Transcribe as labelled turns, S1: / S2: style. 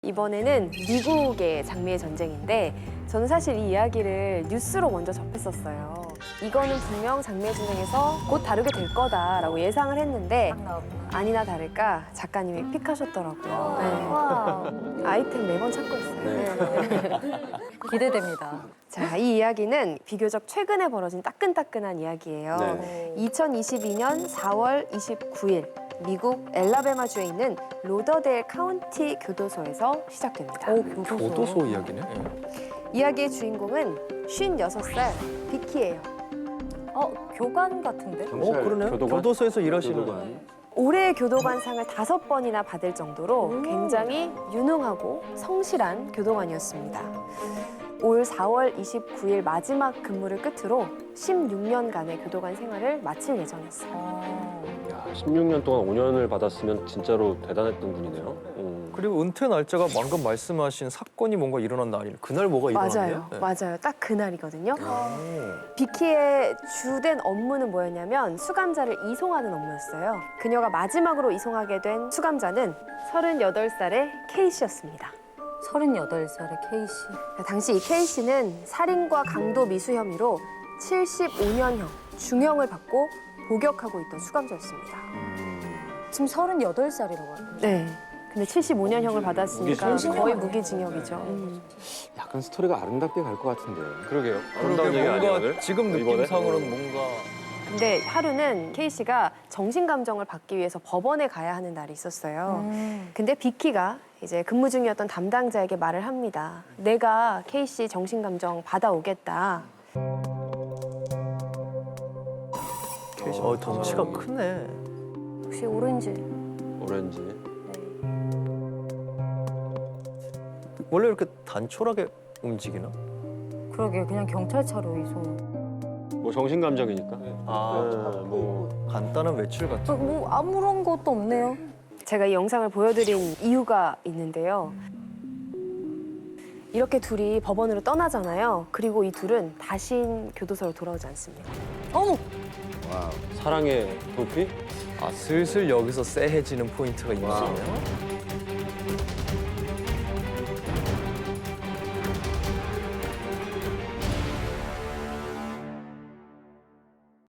S1: 이번에는 미국의 장미의 전쟁인데 저는 사실 이 이야기를 뉴스로 먼저 접했었어요. 이거는 분명 장미의 전쟁에서 곧 다루게 될 거다라고 예상을 했는데 아니나 다를까 작가님이 픽하셨더라고요. 네. 아이템 매번 찾고 있어요.
S2: 기대됩니다.
S1: 자, 이 이야기는 비교적 최근에 벌어진 따끈따끈한 이야기예요.
S3: 네.
S1: 2022년 4월 29일 미국 엘라베마주에 있는 로더데일 카운티 교도소에서 시작됩니다.
S3: 교도소 이야기네.
S1: 이야기의 주인공은 56살 비키예요.
S2: 교관 같은데?
S3: 그러네. 교도소에서 일하시는.
S1: 올해 교도관상을 5번이나 받을 정도로 굉장히 유능하고 성실한 교도관이었습니다. 올 4월 29일 마지막 근무를 끝으로 16년간의 교도관 생활을 마칠 예정이었어요.
S4: 야, 16년 동안 5년을 받았으면 진짜로 대단했던 분이네요.
S3: 그리고 은퇴 날짜가 방금 말씀하신 사건이 뭔가 일어난 날이네. 그날 뭐가 일어났나요?
S1: 맞아요. 딱 그날이거든요. 비키의 주된 업무는 뭐였냐면 수감자를 이송하는 업무였어요. 그녀가 마지막으로 이송하게 된 수감자는 38살의 K씨였습니다.
S2: 38살의 K씨.
S1: 당시 이 K씨는 살인과 강도 미수 혐의로 75년형 중형을 받고 복역하고 있던 수감자였습니다.
S2: 지금 38살이라고 하요
S1: 네. 근데 75년형을 받았으니까
S4: 무기징역.
S1: 거의 무기징역이죠.
S5: 약간 스토리가 아름답게 갈 것 같은데.
S4: 그러게요. 아름다운 얘기 아니에요, 오늘?
S3: 지금
S4: 이번에?
S3: 느낌상으로는 뭔가
S1: 근데 하루는 K씨가 정신감정을 받기 위해서 법원에 가야 하는 날이 있었어요. 근데 비키가 이제 근무 중이었던 담당자에게 말을 합니다. 내가 K씨 정신감정 받아오겠다.
S3: 덩치가 크네.
S2: 혹시 오렌지?
S4: 오렌지.
S3: 원래 이렇게 단촐하게 움직이나?
S2: 그러게 그냥 경찰차로 이송.
S4: 뭐 정신감정이니까.
S3: 뭐 간단한 외출 같은.
S2: 뭐 아무런 것도 없네요.
S1: 제가 이 영상을 보여드린 이유가 있는데요. 이렇게 둘이 법원으로 떠나잖아요. 그리고 이 둘은 다시 교도소로 돌아오지 않습니다.
S2: 어머!
S4: 사랑의 도피?
S3: 슬슬 여기서 쎄해지는 포인트가 있네요.